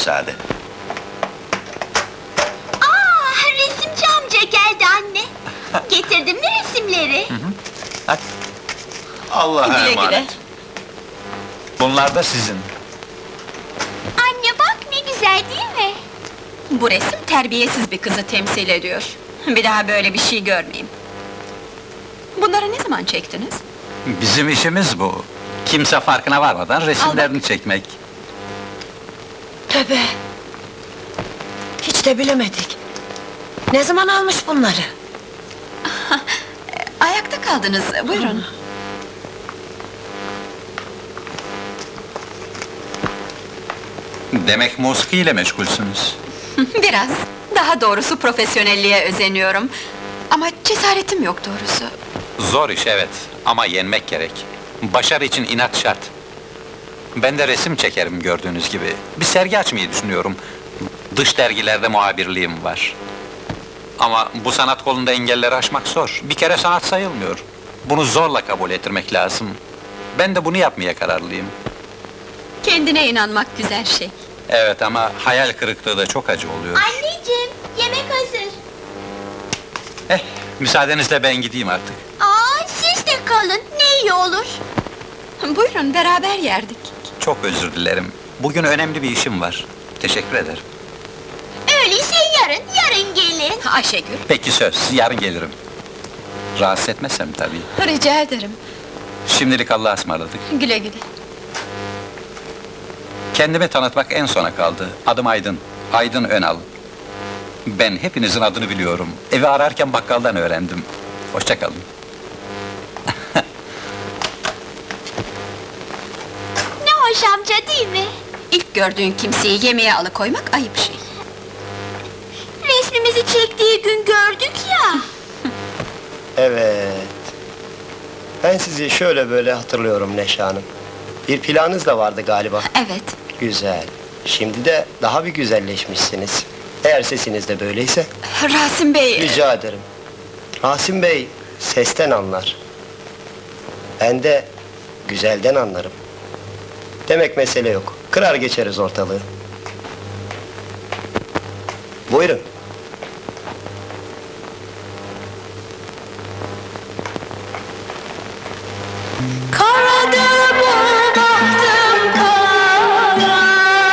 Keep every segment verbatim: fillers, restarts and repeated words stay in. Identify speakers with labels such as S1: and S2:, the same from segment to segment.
S1: müsaade.
S2: Aa, resimci amca geldi anne. Getirdin mi resimleri?
S1: Hadi. Allah'a
S3: Güle
S1: emanet.
S3: güle.
S1: Bunlar da sizin.
S2: Anne bak ne güzel değil mi?
S3: Bu resim terbiyesiz bir kızı temsil ediyor. Bir daha böyle bir şey görmeyeyim. Bunları ne zaman çektiniz?
S1: Bizim işimiz bu. Kimse farkına varmadan resimlerini çekmek.
S4: Tövbe! Hiç de bilemedik. Ne zaman almış bunları?
S3: Ayakta kaldınız, buyurun.
S1: Demek musikiyle meşgulsünüz.
S3: Biraz, daha doğrusu profesyonelliğe özeniyorum. Ama cesaretim yok doğrusu.
S1: Zor iş evet, ama yenmek gerek. Başarı için inat şart. Ben de resim çekerim gördüğünüz gibi. Bir sergi açmayı düşünüyorum. Dış dergilerde muhabirliğim var. Ama bu sanat kolunda engelleri aşmak zor. Bir kere sanat sayılmıyor. Bunu zorla kabul ettirmek lazım. Ben de bunu yapmaya kararlıyım.
S3: Kendine inanmak güzel şey.
S1: Evet ama hayal kırıklığı da çok acı oluyor.
S2: Anneciğim, yemek hazır.
S1: Eh, müsaadenizle ben gideyim artık.
S2: Aa, siz de kalın, ne iyi olur.
S3: Buyurun, beraber yerdik.
S1: Çok özür dilerim. Bugün önemli bir işim var. Teşekkür ederim.
S2: Öyleyse yarın, yarın gelin.
S3: Ayşegül,
S1: Peki söz, yarın gelirim. Rahatsız etmezsem tabii.
S3: rica ederim.
S1: Şimdilik Allah'a ısmarladık.
S3: Güle güle.
S1: Kendimi tanıtmak en sona kaldı. Adım Aydın, Aydın Önal. Ben hepinizin adını biliyorum. Evi ararken bakkaldan öğrendim. Hoşça kalın.
S2: Ne hoş amca değil mi?
S3: İlk gördüğün kimseyi yemeğe alıkoymak ayıp şey.
S2: Resmimizi çektiği gün gördük ya.
S5: Evet. Ben sizi şöyle böyle hatırlıyorum Neşe Hanım. Bir planınız da vardı galiba.
S3: Evet,
S5: Güzel. Şimdi de daha bir güzelleşmişsiniz. Eğer sesiniz de böyleyse,
S3: Rasim Bey...
S5: rica ederim. Rasim Bey, sesten anlar. Ben de güzelden anlarım. Demek mesele yok. Kırar geçeriz ortalığı. Buyurun.
S4: Karadır bu bahtım kara.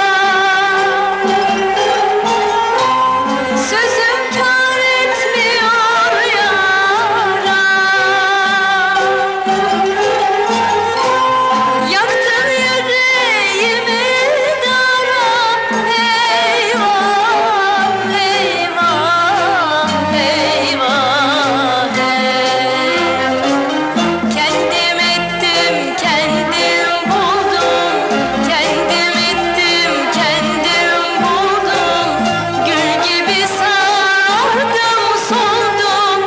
S4: Sözüm kâr etmiyor yara. Yaktın yüreğimi dara. Eyvah, eyvah, eyvah, hey. Kendim ettim, kendim buldum. Kendim ettim, kendim buldum. Gül gibi sardım, soldum.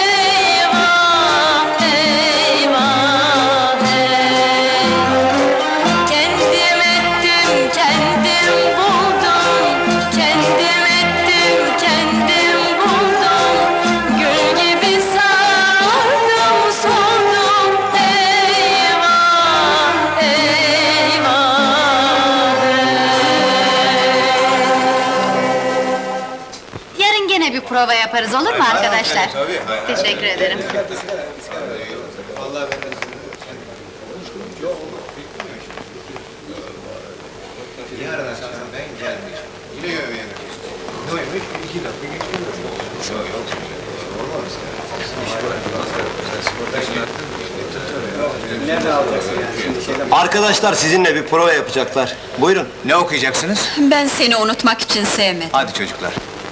S4: Eyvah, eyvah, hey. Kendim ettim, kendim buldum. Kendim ettim, kendim buldum. Gül gibi sardım, soldum. Eyvah, eyvah, hey.
S3: Yarın gene bir prova yaparız, olur mu arkadaşlar? Teşekkür ederim.
S5: Arkadaşlar sizinle bir prova yapacaklar. Buyurun.
S6: Ne okuyacaksınız?
S3: Ben seni unutmak için sevmedim.
S6: Hadi çocuklar.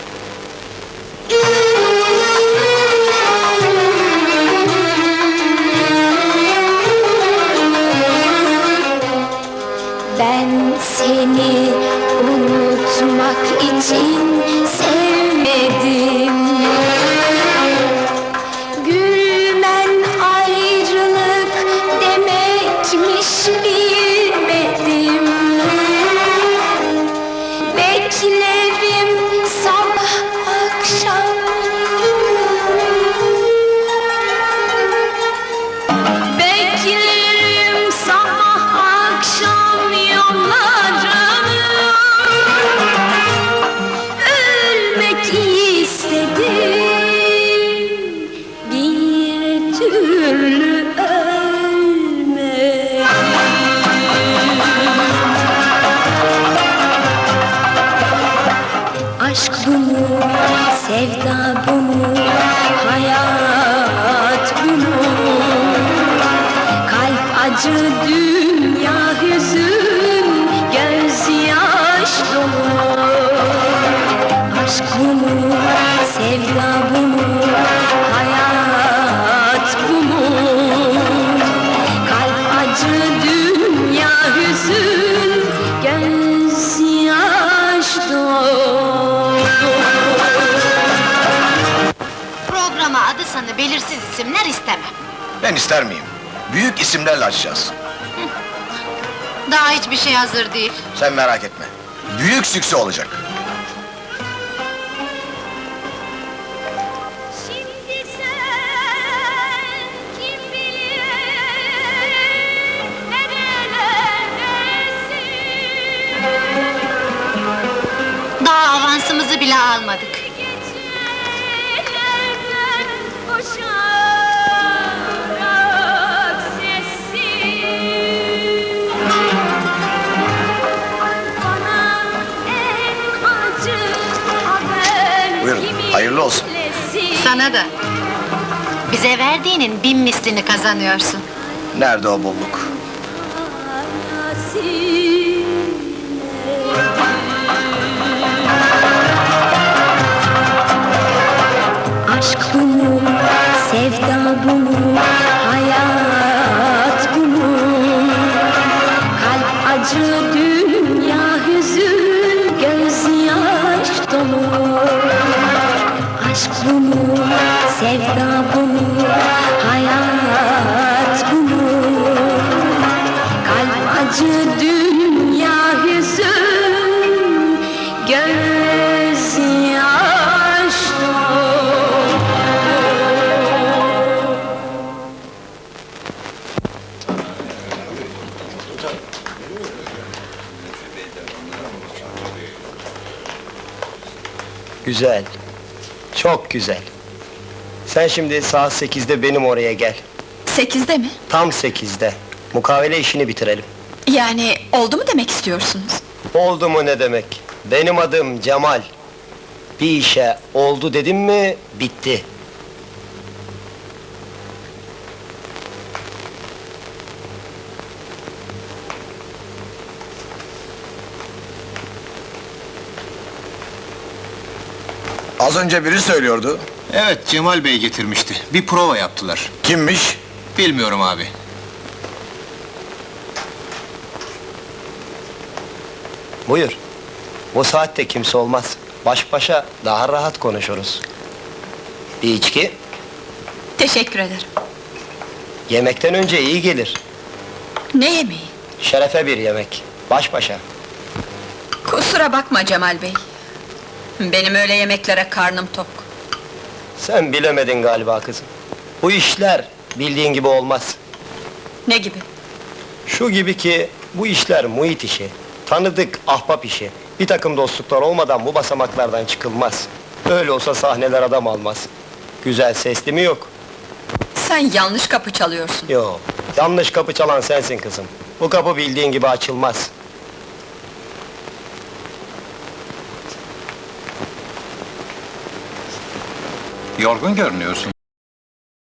S2: Ben seni unutmak için sevmedim. Gülmen ayrılık demekmiş bilmedim. Beklerim sabah akşam. Beklerim sabah akşam yollarını.
S6: adı sanı belirsiz isimler istemem.
S7: Ben ister miyim? Büyük isimlerle açacağız.
S6: Daha hiçbir şey hazır değil.
S7: Sen merak etme. Büyük sükse olacak.
S2: Şimdi sen kim bilir nerelerdesin?
S6: Daha avansımızı bile almadık.
S2: Gecelerden koşarak sessiz bana en acı haber
S7: Buyurun,
S2: kimin
S7: hayırlı olsun.
S2: lezzeti?
S6: Sana da. Bize verdiğinin bin mislini kazanıyorsun.
S7: Nerede o bolluk?
S8: Aşk bu mu, sevda bu mu, hayat bu mu? Kalp acı, dünya hüzün, gözyaş dolu. Aşk bu mu, sevda bu mu, hayat bu mu? Kalp acı, dünya hüzün, gözyaş dolu.
S5: Güzel. Çok güzel. Sen şimdi saat sekizde benim oraya gel.
S3: Sekizde mi?
S5: Tam sekizde. Mukavele işini bitirelim.
S3: Yani oldu mu demek istiyorsunuz?
S5: Oldu mu ne demek? Benim adım Cemal. Bir işe oldu dedim mi, bitti.
S7: Az önce biri söylüyordu.
S9: Evet, Cemal Bey getirmişti. Bir prova yaptılar.
S7: Kimmiş?
S9: Bilmiyorum abi.
S5: Buyur. Bu saatte kimse olmaz. Baş başa daha rahat konuşuruz. Bir içki,
S3: Teşekkür ederim.
S5: yemekten önce iyi gelir.
S3: Ne yemeği?
S5: Şerefe bir yemek. Baş başa.
S3: Kusura bakma Cemal Bey. Benim öyle yemeklere karnım tok.
S5: Sen bilemedin galiba kızım. Bu işler bildiğin gibi olmaz.
S3: Ne gibi?
S5: Şu gibi ki, bu işler muhit işi. Tanıdık, ahbap işi. Bir takım dostluklar olmadan bu basamaklardan çıkılmaz. Öyle olsa sahneler adam almaz. Güzel sesli mi yok?
S3: Sen yanlış kapı çalıyorsun.
S5: Yok. Yanlış kapı çalan sensin kızım. Bu kapı bildiğin gibi açılmaz.
S1: Yorgun görünüyorsun.